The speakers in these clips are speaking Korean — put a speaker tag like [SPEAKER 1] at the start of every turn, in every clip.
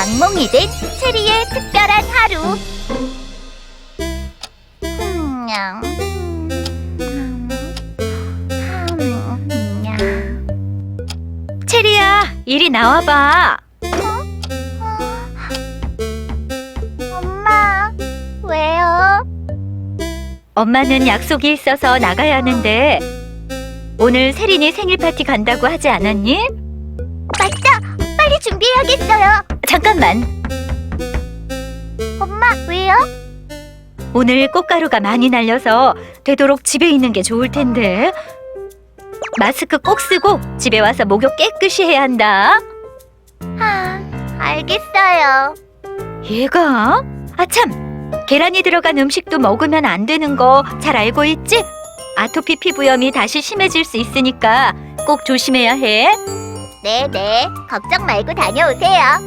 [SPEAKER 1] 악몽이 된 체리의 특별한 하루.
[SPEAKER 2] 체리야, 이리 나와봐.
[SPEAKER 1] 엄마, 왜요?
[SPEAKER 2] 엄마는 약속이 있어서 나가야 하는데 오늘 세린이 생일 파티 간다고 하지 않았니?
[SPEAKER 1] 맞다! 빨리 준비해야겠어요.
[SPEAKER 2] 잠깐만.
[SPEAKER 1] 엄마, 왜요?
[SPEAKER 2] 오늘 꽃가루가 많이 날려서 되도록 집에 있는 게 좋을 텐데. 마스크 꼭 쓰고 집에 와서 목욕 깨끗이 해야 한다.
[SPEAKER 1] 알겠어요.
[SPEAKER 2] 얘가? 아참! 계란이 들어간 음식도 먹으면 안 되는 거 잘 알고 있지? 아토피 피부염이 다시 심해질 수 있으니까 꼭 조심해야 해.
[SPEAKER 1] 네네, 걱정 말고 다녀오세요.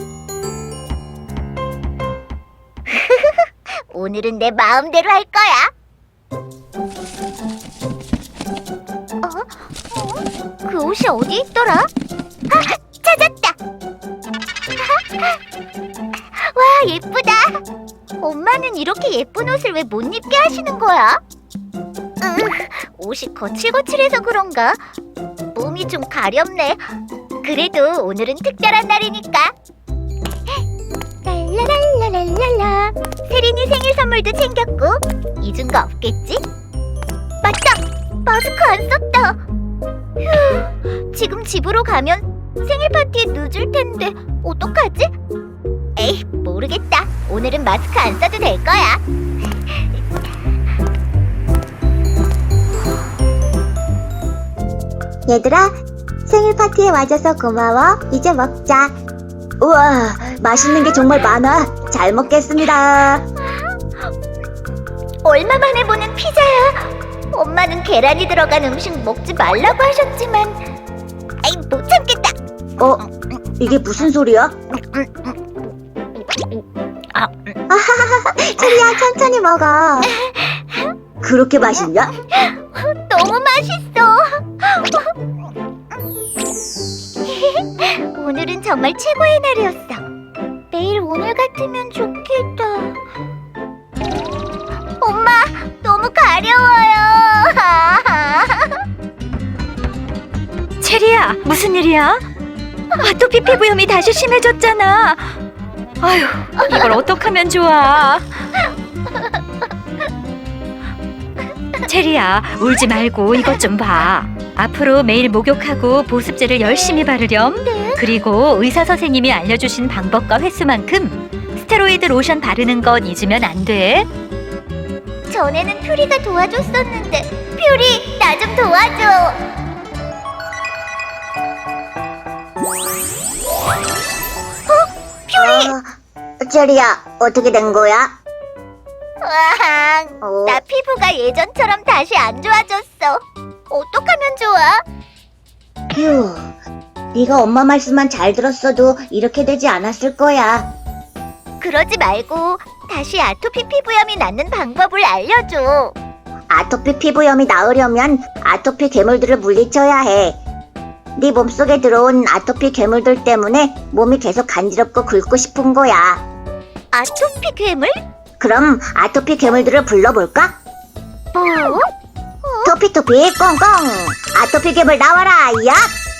[SPEAKER 1] 오늘은 내 마음대로 할 거야. 그 옷이 어디 있더라? 찾았다. 와, 예쁘다. 엄마는 이렇게 예쁜 옷을 왜 못 입게 하시는 거야? 옷이 거칠거칠해서 그런가? 몸이 좀 가렵네. 그래도 오늘은 특별한 날이니까. 랄라랄라랄랄라. 세린이 생일 선물도 챙겼고 잊은 거 없겠지? 맞다! 마스크 안 썼다. 휴, 지금 집으로 가면 생일 파티에 늦을 텐데 어떡하지? 에이, 모르겠다. 오늘은 마스크 안 써도 될 거야.
[SPEAKER 3] 얘들아, 생일 파티에 와줘서 고마워. 이제 먹자. 우와, 맛있는 게 정말 많아. 잘 먹겠습니다.
[SPEAKER 1] 얼마 만에 보는 피자야. 엄마는 계란이 들어간 음식 먹지 말라고 하셨지만 에이, 못 참겠다.
[SPEAKER 3] 이게 무슨 소리야? 체리야, 천천히 먹어. 그렇게 맛있냐?
[SPEAKER 1] 너무 맛있어. 오늘은 정말 최고의 날이었어. 매일 오늘 같으면 좋겠다. 엄마, 너무 가려워요.
[SPEAKER 2] 체리야, 무슨 일이야? 아토피 피부염이 다시 심해졌잖아. 아휴, 이걸 어떡하면 좋아. 체리야, 울지 말고 이것 좀 봐. 앞으로 매일 목욕하고 보습제를 열심히 바르렴. 그리고 의사 선생님이 알려주신 방법과 횟수만큼 스테로이드 로션 바르는 건 잊으면 안 돼.
[SPEAKER 1] 전에는 퓨리가 도와줬었는데 퓨리, 나 좀 도와줘. 퓨리!
[SPEAKER 3] 체리야, 어떻게 된 거야?
[SPEAKER 1] 나 피부가 예전처럼 다시 안 좋아졌어. 어떡하면 좋아?
[SPEAKER 3] 휴, 네가 엄마 말씀만 잘 들었어도 이렇게 되지 않았을 거야.
[SPEAKER 1] 그러지 말고 다시 아토피 피부염이 낫는 방법을 알려줘.
[SPEAKER 3] 아토피 피부염이 나으려면 아토피 괴물들을 물리쳐야 해. 네 몸속에 들어온 아토피 괴물들 때문에 몸이 계속 간지럽고 긁고 싶은 거야.
[SPEAKER 1] 아토피 괴물?
[SPEAKER 3] 그럼 아토피 괴물들을 불러볼까?
[SPEAKER 1] 뭐?
[SPEAKER 3] 토피토피 꽁꽁, 아토피 괴물 나와라, 야!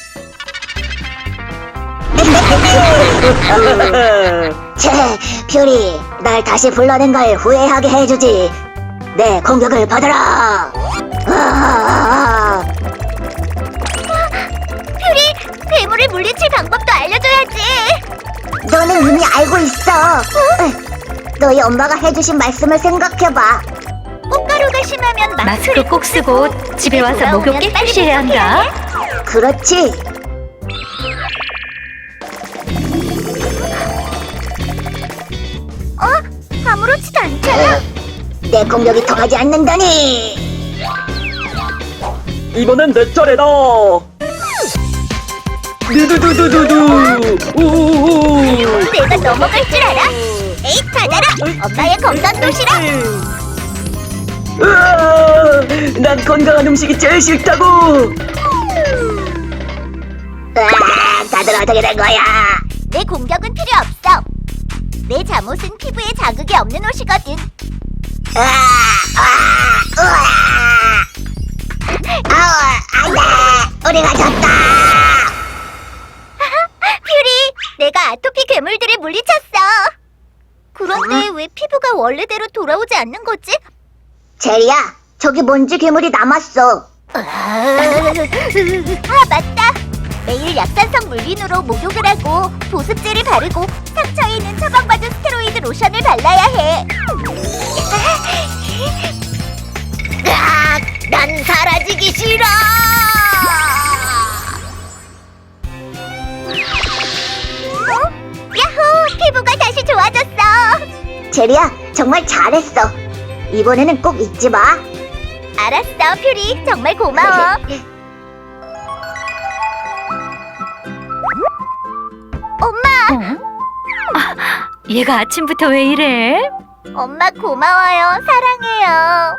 [SPEAKER 3] 채, 퓨리, 날 다시 불러낸 걸 후회하게 해주지. 내 공격을 받아라.
[SPEAKER 1] 퓨리, 괴물을 물리칠 방법도 알려줘야지.
[SPEAKER 3] 너는 이미 알고 있어. 너희 엄마가 해주신 말씀을 생각해봐.
[SPEAKER 1] 꽃가루가 심하면
[SPEAKER 2] 마스크 꼭 쓰고 집에 와서 목욕 깨끗이 해야 한다.
[SPEAKER 3] 그렇지.
[SPEAKER 1] 아무렇지도 않잖아.
[SPEAKER 3] 내 공격이 통하지 않는다니.
[SPEAKER 4] 이번엔 내 차례다. 두두두두두두. 우우우.
[SPEAKER 1] 내가 넘어갈 줄 알아? 에이, 받아라. 엄마의 건강 도시락.
[SPEAKER 4] 으아, 난 건강한 음식이 제일 싫다고.
[SPEAKER 3] 다들 어떻게 된 거야?
[SPEAKER 1] 내 공격은 필요 없어. 내 잠옷은 피부에 자극이 없는 옷이거든.
[SPEAKER 3] 안돼, 우리가 졌다.
[SPEAKER 1] 퓨리, 내가 아토피 괴물들을 물리쳤어. 그런데 왜 피부가 원래대로 돌아오지 않는 거지?
[SPEAKER 3] 제리야, 저기 먼지 괴물이 남았어.
[SPEAKER 1] 아, 맞다. 매일 약산성 물린으로 목욕을 하고 보습제를 바르고 상처에 있는 처방받은 스테로이드 로션을 발라야 해. 난 사라지기 싫어. 야호! 피부가 다시 좋아졌어.
[SPEAKER 3] 제리야, 정말 잘했어. 이번에는 꼭 잊지 마.
[SPEAKER 1] 알았어, 퓨리. 정말 고마워. 엄마!
[SPEAKER 2] 얘가 아침부터 왜 이래?
[SPEAKER 1] 엄마 고마워요. 사랑해요.